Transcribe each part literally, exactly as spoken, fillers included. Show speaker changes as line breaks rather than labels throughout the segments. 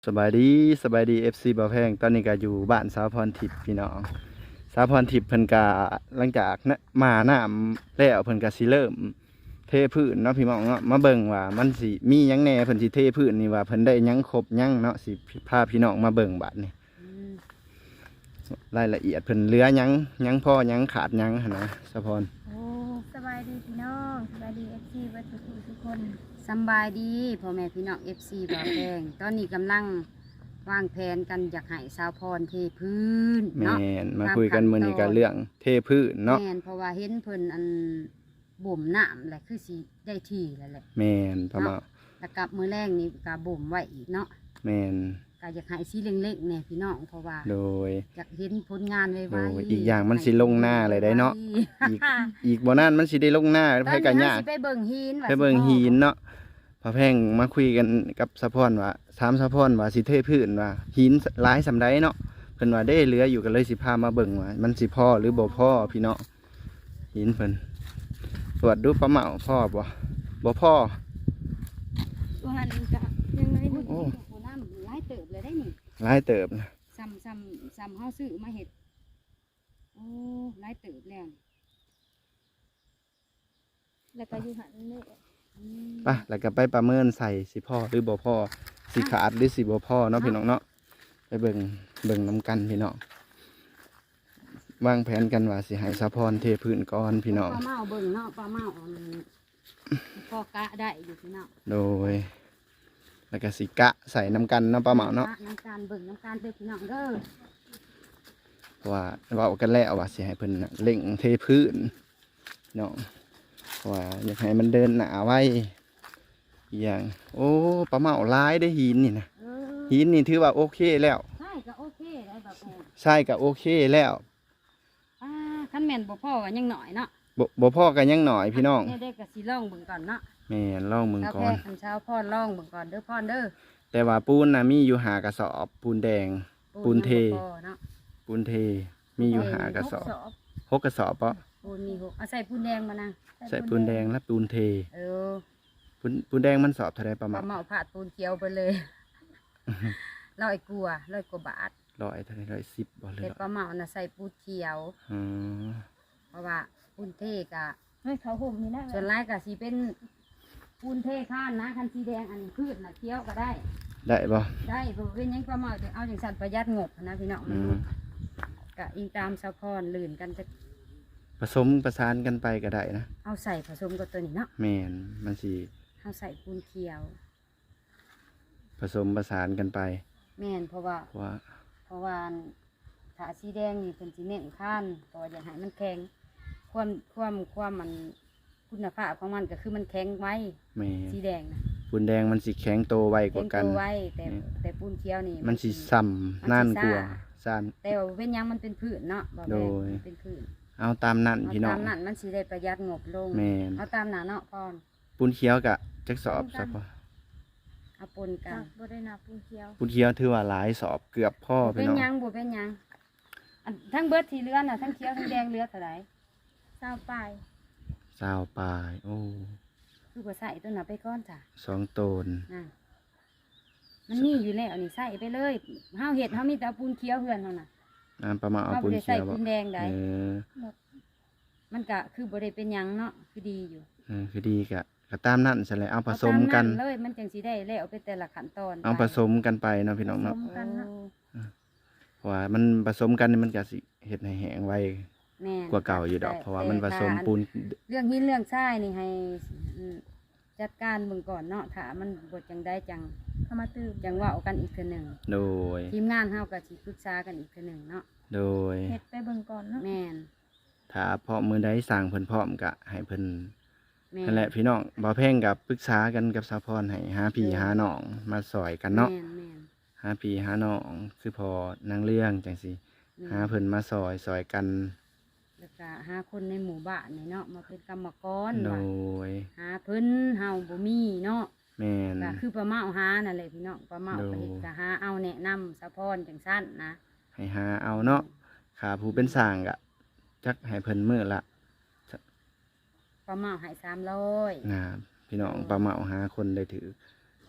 สบายดีสบายดีเอฟซีบ่าวแพงตอนนี้ก็อยู่บ้านสาวพรทิพย์พี่น้องสาวพรทิพย์เพิ่นก็หลังจากนะมาน้ำแล้วเพิ่นก็สิเริ่มเทพื้นเนาะพี่น้องเนาะมาเบิ่งว่ามันสิมีหยังแหน่เพิ่นสิเทพื้นนี่ว่าเพิ่นได้หยังครบหยังเนาะสิพาพี่น้องมาเบิ่งบัดนี้รายละเอียดเพิ่นเหลือหยังหยังพอหยังขาดหยังหั่นนะสาวพร
โอ้สบายดีพี่น้องสบายดีเอฟซีวัตถุกทุกคน
สำบายดีพ่อแม่พี่น้องเอฟซีบ่าวแพงตอนนี้กำลังวางแผนกันอยากให้สาวพรเทพื้น
แม่
เนาะ
นมาคุยกันมื้อนี้ก็เรื่องเทพื้นเนาะ
แม่นเพราะว่าเห็นเพิ่นอันบ่มน้ำแหละคือสิได้ที่แล้วแหละ
แม่นพ่อมา
แล้วกับมื้อแรกนี่ก็บ่มไว้อีกเนาะ
แม่น
ก็อยากให้สีเล็กๆเนี่ยพี่น้องเพราะว่า
โดย
อยากเห็นผลงานไว
โอ้ย
ๆ
อีกอย่างมันสิลงหน้าเลยได้เนาะ อีกอีกบ่นานมันสิได้ลงหน้า
ตอน
ไผ
นี้
กัน
เฮาย
าก
สิไปเบิ่งหินว่า
ไปเบิ่งหินเนาะพอแพงมาคุยกันกับสะพอนว่าถามสะพอนว่าสิเทพื้นว่าหินหลายสำใดเนาะเพิ่นว่าได้เหลืออยู่กันเลยสิพามาเบิ่งว่ามันสิพอหรือบ่พอพี่เนาะหินเพิ่นตรวจดูปลาเหมาพ่อบ่บ่พอ
ตัวหันกะยังไง
โอ้
โอ้
โหน้ำหลายเติบเลยได้นี่
หลายเติบนะ
ซ้ำซ้ำซ้ำเฮาซื้อมาเห็ดโอ้หลายเติบแล้วนี่
แล้วก็อยู่หันนี่
อืม
ไปแล้วก็ไปประเมินใส่สิพอหรือบ่พอสิขาดหรือสิบ่พอเนาะพี่น้องเนาะไปเบิ่งเบิ่งนํกันพี่น้องวางแผนกันว่าสิให้สะพอนเทพื้นก่อนพี่น้อง
ปลาเมาเบิ่งเนาะปลาเมาอันพอกะได้อยู่พี่น้อง
โดยแล้วก็สิกะใส่น้ำกันเนาะปลาเหมาเนาะ
น้ำการเบิ่งน้ำการเด้อพี่น้องเด้อ
เพราะว่าเว่ากันแล้วว่าสิให้เพิ่นน่ะเล่งเทพื้นเนาะเพราะว่าอยากให้มันเดินหนาไว้อีกอย่างโอ้ปลาเหมาหลายได้อหินนี่นะ
เออ
หินนี่ถือว่าโอเคแล้ว
ใช่ก็โอเคได้แบบแม่
ใช่ก็โอเคแล้ว
อ่าคันแม่นบ่พอก็ยังหน่อยเนาะ
บ่บ่พอกันยังหน่อยพี่น้อง
เด็กๆก็สิลองเบิ่งก่อนเนาะ
แม่นลองมึง
เช้า
ก่
แพ
อน
ทย์คันเช้าพ่อลองเบิ่งก่อนเด้อพ่อเด้อ
แต่ว่าปูนน่ะมีอยู่หากระสอบปูนแดง ปูนเท
ยังบ่พอเนาะ
ปูนเทมีอยู่หากระสอบ
สอบ
หกกระสอบเปาะ
ปูนมีหกเอาใส่ปูนแดงมานะ
ใส่ปูนแดงและปูนเท
เออ
ปูนปูนแดงมันสอบเท่าไรประ
ป
มา
ลา
ณ
เมาผาดปูนเขียวไปเลย ร้อยกว่าร้อยกว่าบาท
ร้อยเท่าไรร้อยสิบบ่เลย
แต่ปลาเมาน่ะใส่ปูนเขียว
อืม
เพราะว่าปูนเทกะ
เฮ้ยเขาห่มนี่นะ
ส่วนร้ายกะสีเป็นปูนเทข้านนะคันสีแดงอันพืชน่ะเคี้ยวก็ได้
ได้บ่
ได้เพราะเป็นหยังปลาเมาจะเอาอย่างสันประหยัดงบนะพี่น้องมั
อื
น
ม
กะอิงตามสะพอนลื่นกันจะ
ผสมประสานกันไปก็ได้นะ
เอาใส่ผสมกับตัวนี้เนาะ
แม่นมันสิ
เอาใส่ปูนเขียว
ผสมประสานกันไป
แม่นเพราะว่า
เพราะว่า
เพราะว่าถาสีแดงนี่เป็นสีเน้นข้านเพราะว่าอยากให้มันแข็งความความความมันคุณภาพของมันก็คือมันแข็งไว้
แม่
สีแดงนะ
ปูนแดงมันสิแข็งโตไวก
แข็
ว่าง กัน
ตัวไว้แต่แต่ปูนเขียวนี่
มันสิซ้ำนานกว่าซ่าน
แต่ว่าเป็นหยังมันเป็นพืชเนาะบอก
โด
แม่
ย
นเป็นพืช
เอาตามนั่น
เอา
พี่น้อ
ตาง มนั้นมันสิได้ประหยัดงบลง
แม่น
เอาตามหนาเนาะก่อน
ปูนเขียวกะจักสอบสักพอ
เอาปนกั
จา
น
กบ่ได้นาปูนเขียว
ปูนเขียวถือว่าหลายสอบเกือบพ่อ
บ่
พี่
เป็น
น้อง
หยังบ่เป็นหยังอันทั้งเบิดที่เหลือน่ะทั้งเขียวทั้งแดงเหลือเท่าไหร่
สาวปลาย
สาวปลายโอ้
คือบ่ใส่ตัวน่ะไปก่อนจ้ะ
สองโตน
น่ะมันมีอยู่แล้วนี่ใส่ไปเลยเฮาเฮ็ดเฮามีแต่เอาปูนเขียวเฮือนเฮาน่ะ
น้ำประมาณเอา
เฮา
ปู
บ่
น
ได้
เขี
ใส่
ยวบ่
ปูนแดงใด
เออ
มันก็คือบ่ได้เป็นหยังเนาะคือดีอยู่
เออคือดีกะก็ตามนั่นใช่เลยเอาผสมกัน
เอาตาเลยมันจังสิได้แล้วไปแต่ละขั้นตอน
เอา
ไป
ผสมกันไปเนาะพี่น้องเนาะ
ผสมกันเนาะ
โอ้
เพราะว่ามันผสมกันนี่มันก็สิเฮ็ดให้แห้งไว
แม่น
กว่าเก่าอยู่ดอก
แต่
เพราะว่ามันผสม
แต่ถ้า
ปูน
เรื่องหินเรื่องทรายนี่ให้อืมจัดการเบิ่งก่อนเนาะถ้ามันบทจังได้จัง
เขามาตื่ม
จังเว่ากันอีกเทื่อหนึ่ง
โดย
ทีมงานเฮาก็สิปรึกษากันอีกเทื่อหนึ่งเนาะ
โดย
เฮ็ดไปเบิ่งก่อนเนาะ
แม่น
ถ้าพอมือใดสั่งเพิ่นพร้อมกะให้เพิ่น
แม่น
นั่นแหละพี่น้องบ่าวแพงกับปรึกษากันกับสาวพรให้หาพี่หาน้องมาสอยกันเนาะ
แม่นแม่น
หาพี่หาน้องคือพอนางเรื่องจังซี่
แม่น
หาเพิ่นมาซอยซอยกัน
แล้วก็หาคนในหมู่บ้านนี่เนาะมาเป็นกรรมกร
โด
ว่าย หาเพิ่นเฮาบ่มีเนาะ
แม่น
ก็คือป้าเมาหานั่นแหละพี่น้องป้าเมา
โด
ก็เฮ็ดก็หาเอาแนะนำสะพรจังซั่นนะ
ให้หาเอาเนาะขาผู้เป็นสร้างกะจักให้เพิ่นมื้อละ
ป้าเมาให้สามร้อย
นะพี่น้องปลาเหมาหาคนได้ถือ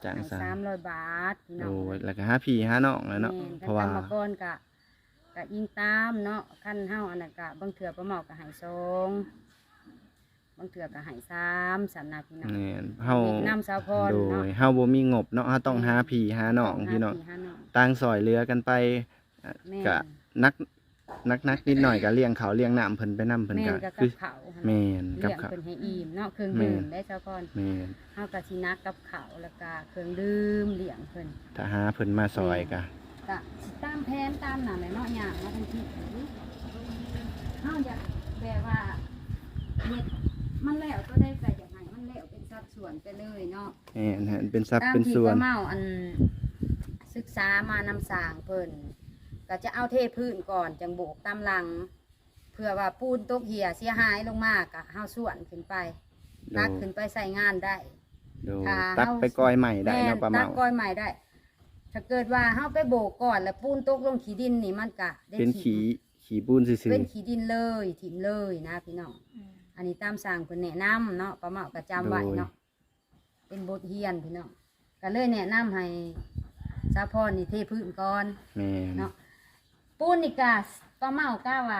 จ้าง
ให้
สร้าง
สามร้อยบาทพี่น้
โอ้
อง
ยแล้วก็หาพี่หาน้องแล้วเนาะ
แม่น
เพราะว่า
คันตามมาก่อนกะกะอิงตามเนาะขั้นเฮาอันนั้นกะบางเถื่อประเมากะใหายสองบางเถื่อกะใหายสามสำนักพี่น้อง
แม่นเฮา
เด็กนำสาวพร
โด
เนาะ
ยเฮาบ่มีงบเนาะเฮาต้องหาพี่หาน้องพี่น้อง
หาหาน้อง
ต่างซอยเหลือกันไปอ่ะ
แม่น
กะนักนักนักนิดหน่อยก็เลี้ยงเขาวเลี้ยงน้ำเพิ่นไปนํเพิ่น
แม่
ก็
นกับ
คือ
เขาหั่น
แม่นกั
เลี้
บ
ยง
ข้าว
เพิ่นให้อิ่มเนาะเครื่อง
แม่น
ดื่มได้สาวพร
แม่น
เฮากะสินักกับเขาวแล้วก็เครื่องดื่มเลี้ยงเพิ่น
ถ้าหาเพิ่นมาซอยก็
กะสิตามแผนตามนั่นแหละเนาะอย่างมาทันทีเฮาอยากแบบว่าเฮ็ดมันแล้วก็ได้ก็อยากให้มันแล้วเป็นสัดส่วนไปเลยเนาะ
แม่นฮะเป็นทรัพย์
ตาม
เป็น
ที่
ส่ว
ป้าน เมาอันศึกษามานำสร้างเพิ่นก็จะเอาเทพื้นก่อนจังโบกตามหลัง เพื่อว่าปูนตกเหี่ยเสียหายลงมากะเฮาส่วนขึ้นไปตักขึ้นไปใส่งานได้
โดย
ถ้า
ตัก
เฮา
ไปก้อยใหม่ได้
แม่
เนาะ
น
ป้า
ตั
เมาก
ก้อยใหม่ได้ ถ้าเกิดว่าเฮาไปโบกก่อนแล้วปูนตกลงขี้ดินนี่มันกะได้
เป็น
ถิ่
ขี้
ม
ขี้ปูนซื่อ
เป็นขี้ดินเลยถิ่มเลยนะพี่น้อง
อืม
อันนี้ตามสั่งเพิ่นแนะนำเนาะป้าเมาก็จำไว้เนาะเป็นบทเรียนพี่น้องก็เลยแนะนำให้สาพรนี่เทพื้นก่อน
ๆแม่น
เนาะปูนนี่กาป้าเมาก้าว่า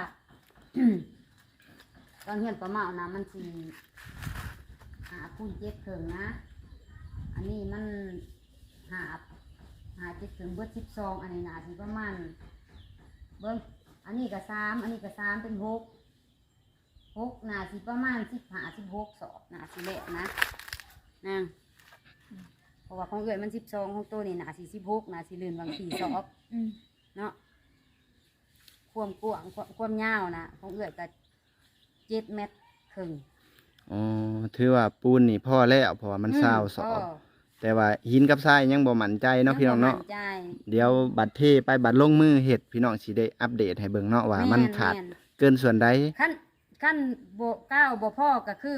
ตอนเฮือนป้าเมานะมันสีหาปูนเจ็ดเถิงนะ อันนี้มันหาหาเจ็ดเถิงเบิดสิบสองอันนี้นะสิประมาณเบิ้งอันนี้ก็สามอันนี้ก็สามเป็นหกหกนาสิประมาณสิบหาสิบหกสอบนาสิเละนะนะเพราะว่าของเอื้อยมันสิบสองของตัวนี่นาสิสิบหกนาสิเลื่อนบางสี่สอบ
อืม
เนาะความกว้างความความยาวนะของเอื้อยก็เจ็ดเมตรครึ่ง
อ๋อถือว่าปูนนี่พอแล้วเพราะว่ามันเศร้าสอบ
ก็
แต่ว่าหินกับทรายยังบ่มั่นใจเนาะพี่น้องเนาะ
ยังบ่มั่ใจ
เดี๋ยวบัดเทไปบัดลงมือเฮ็ดพี่น้องสิได้อัปเดตให้เบิ่งเนาะว่ามันขาด
แม่น
เกินส่วนใด
ขั้นขั้นโบก้าวโบพ่อก็คือ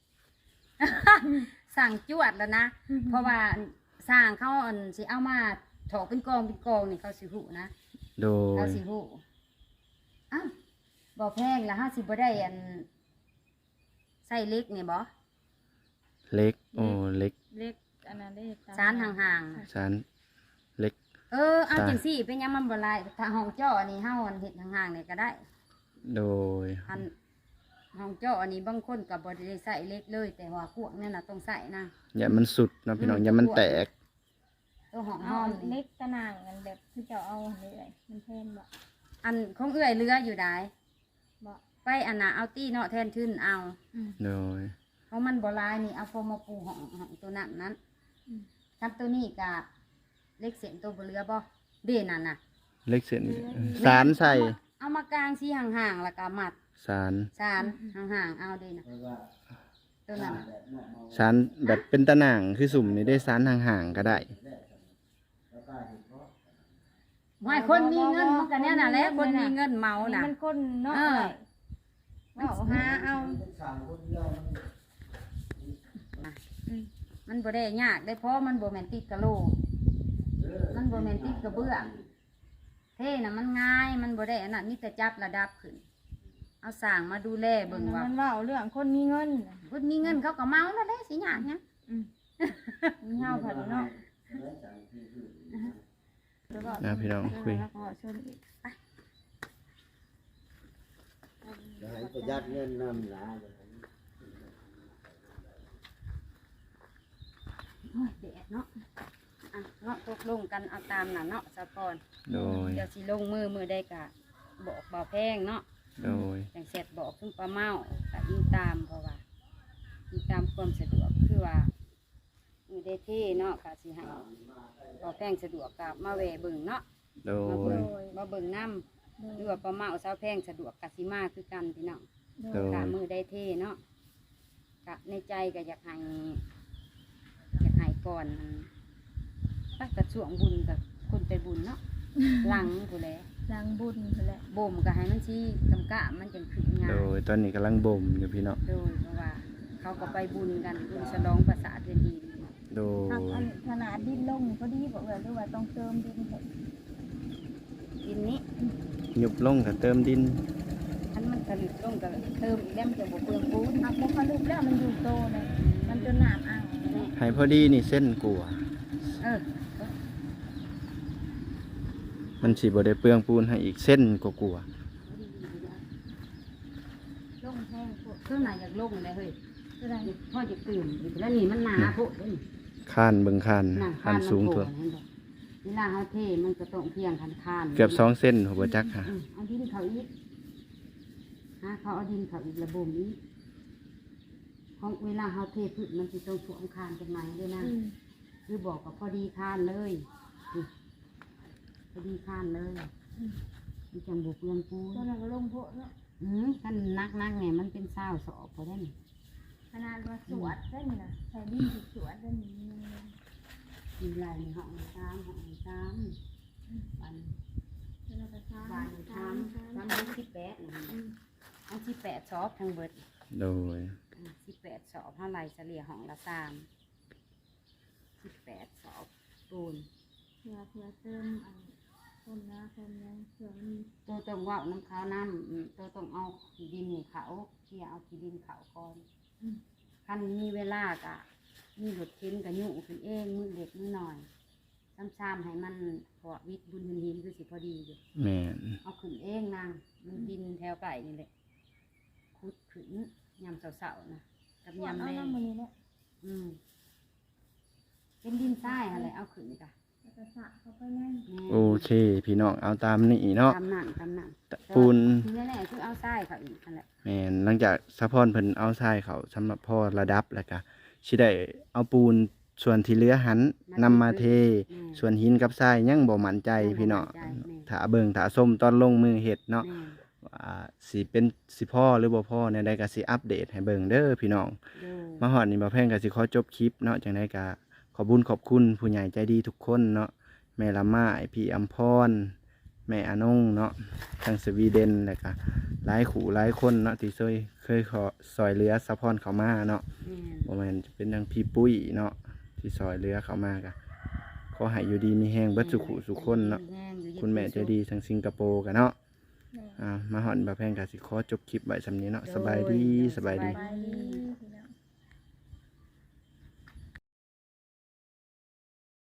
สั่งจวดแล้วนะ เพราะว่าสร้างเขาอันสิเอามาถอกเป็นกองเป็นกองนี่เขาสิหูนะ
โด
เขา
ย
สิหูอ้าวบ่แพงละห้าสิบบ่ได้อันใส่เล็กนี่บ่
เล็กโอ้เล็ก
เล็กอันนั้นได้ตม
สารห่างๆ
สารเล็ก
เออเอา
จ้ะ
จังสี่เป็นหยังมันบ่หลายถ้าห้องเจ้าอันนี้เฮาอันเฮ็ดห่างๆนี่ก็ได้
โดย
อันห้องเจ้าอันนี้บางคนก็บ่ได้ใส่เล็กเลย แต่ว่าพวกนั่นน่ะต้องใส่นะ
อย่ามันสุดเนาะพี่น้อง
อืม
อย่ามันแตก
ตัวห้อง
เอา
ห้อม
อัน
นี่
เล็กตะนางกันแบบที่เจ้าเอาอันนี้เลยมันแพงบ่
อันของเอื้อยเรืออยู่ได้
บ่
ไปอันน่ะเอาตี้เนาะแทนทึนเอา
อืม
โดย
เพราะมันบ่หลายนี่เอาโฟมมาปูห้องห้องตัวนั้นนั้น
อืม
คันตัวนี้ก็เล็กเสียนตัวบ่เรือบ่เด่นนั่นน่ะ
เล็กเส้นสารใส่
เอามากางสีห่างๆแล้วก็มัด
สาร
สารห่างๆเอาเด่นน่ะตัวนั้นน่ะ
สารแบบเป็นตะหน่างคือสุ่มนี่ได้สารห่างๆก็ได้
ไม่คนมีเงินมันก็เนี่ยน่ะแหละคนมีเงินเมา
อันนี้
น่ะ
มันคนเนาะ
เออ
เอาหาเอาอืม
มันบ่ได้ยากได้เพราะมันบ่แม่นติดกะโหลมันบ่แม่นติดกระเบื้องเท่น่ะมันง่ายมันบ่ได้อันนั้นมีแต่จับระดับขึ้น เอาสร้างมาดูแลเบิ่งว่า
มันว่าเอาเรื่องคนมีเงินน่ะ
คนมีเงินเขาก็เมาแล้วเด้สิยากหยัง
อืมมีเฮาผัดเนาะแล้วก็
นะพี่น้องคุย
แล้วก็ชวนอีก
จะให้ประหยัดเงินนำหลา
โอ้ยแดดเนาะอ่ะเนาะตกลงกันเอาตามน่ะเนาะสะก่อน
โดย
เดี๋ยวสิลงมือมือได้กะบอกบ่แพงเนาะ
โดย
จังเสร็จบอกซุ่มปลาเมาก็ยิงตามเพราะว่ายิงตามความสะดวกคือว่ามือได้เท่เนาะก็สิให้บ่แพงสะดวกกับมาแวะเบิ่งเนาะ
โด
มาเบิ่
ย
งมาเบิ่งน้ำหรือว่าปลาเมาสาวแพงสะดวกกสิมาคือกันพี่น้อง
โดย
กะมือได้เท่เนาะกะในใจก็อยากให้อยากให้ก่อนไปกระช่วงบุญกับคนไปบุญเนาะ หลังผู้แล
ล้างบุญนั่นแหละ
บ่มก็ให้มันชี้กำกะมันจังขึ้นงาน
โดยตอนนี้กำลังบ่มอยู่พี่น้อง
โดยเพราะว่าเขาก็ไปบุญกันบุญฉลองภาษาเดือนดี
โด
หัก
ย
อันขนาดดินลงก็ดีบอกเลยหรือว่าต้องเติมดินเถอะ
ดินนี้
หยุบลงก็เติมดิน
อันมันผลิตลงก็เติมอีกแล้วมันจะบ่เปลืองปูน
หักพวกเขาลุกแล้วมันอยู่โตเลยมันจนหนามอ่างเลย
ให้พอดีนี่เส้นกลัว
เออ
มันสิบ่ได้เปลืองปูนให้อีกเส้นกลัว
ลงแห้งพวก
เครื่องไหนอยากลงเลยเฮ้ย
ตัวใด
พ่อจะตื่นอีกแล้วนี่มันหนาพวกนี่
ๆคานเบิ่งคาน
หนัง
คานสูง
มันโผ
ตัว
ล่เห็นบ่เวลาเขาเทมันก็ต้องเพียงคันคาน
เกือบสองเส้นหัวจักค่ะ
อืมเอาดินเขาอีกฮะเขาเอาดินเขาอีกระบมอีกของเวลาเขาเทพืชมันจะต้องสวมคานกันไหมด้วยนะ
อืม
คือบอกกับพอดีคานเลยนี่พอดีคานเลยมันจังบุกเรือนปูน
ตัวนั้นก็ลงพวกเนาะ
อืมกันนักนักๆเนี่ยมันเป็นเศร้าสอบพอได้ไหม
ขนาดว่าสวดได้นี่นะใส่ดินสวดได้นี่
มีลายในห้องน้ำห้องน้ำวัน
ตัวนั้นก็ซ้ำ
วัน
ซ้
น้ำ
ำซ้ำ
น้ำมันสิบแปดนะเอาสิบแปดสอบทั้งเบิด
โดย
สิบแปดสอบเท่าไรเฉลี่ยห้องละสามสิบแปดสอบปูน
เพื่อเพื่อเติมอันต้นนะต้นยังเพื่อมัน
ตัวต้องว่าน้ำขาวน้ำอืมตัวต้องเอาขี้ดินนี่เขาเที่ยเอาขี้ดินเขาก่อนคันมีเวลากะมีหลุดเข็นกับยุ่งขึ้นเองมือเล็กมือหน่อยซ้ำๆให้มันพอวิทย์บุญหินหินคือสิพอดีอยู่
แม่น
เอาขึ้นเองนางมันดินแถวไก่นี่แหละคุดขึ้นยำเสาๆนะกับ
สวด
ยำ
เอา
แรง
น้ำมันนี่แหละ
อืมเป็นดินทรายอะไรเอาขึ้นกะ
แล้วก็สระเข้าไปนั่น
แม่
โอเค พี่น้องเอาตามนี้เนาะ
ตำหนังตำหนัง
ปูน
ทีแน่ๆคือเอาทรายเขาอีกนั่นแหละ
แม่นหลังจากสะพอนเพิ่นเอาทรายเขาสำหรับพ่อระดับแล้วก็สิได้เอาปูนส่วนที่เหลือหันนำมาเท ส่วนหินกับทรายยังบ่มั่นใจพี่น้องถ้าเบิ่งถ้าส้มตอนลงมือเฮ็ดเนาะ
แม่
ว่าสิเป็นสิพ่อหรือบ่พ่อแนวใดก็สิอัปเดตให้เบิ่งเด้อพี่น้อง
เด้อ
มาฮอดนี่บ่แพงก็สิขอจบคลิปเนาะจังไดก็ขอบุญขอบคุณผู้ใหญ่ใจดีทุกคนเนาะแม่ละมาไอพี่อัมพรแม่อานงเนาะทางสวีเดนแล้วก็หลายขู่หลายคนเนาะที่เคยเคยขอซอยเหลือสะพอนเขามาเนาะ
แม่
บ่แม่นจะเป็นทางพี่ปุ้ยเนาะที่ซอยเหลือเขามาก็ขอให้อยู่ดีมีแฮงเบิดสุขุสุขคนเนาะคุณแม่ใจดีทางสิงคโปร์กันเนาะ
แม่
อ่ามาฮอดบ่แพงก็สิขอจบคลิปไว้สำนี้เนาะสบายดีสบายดี
ไปดี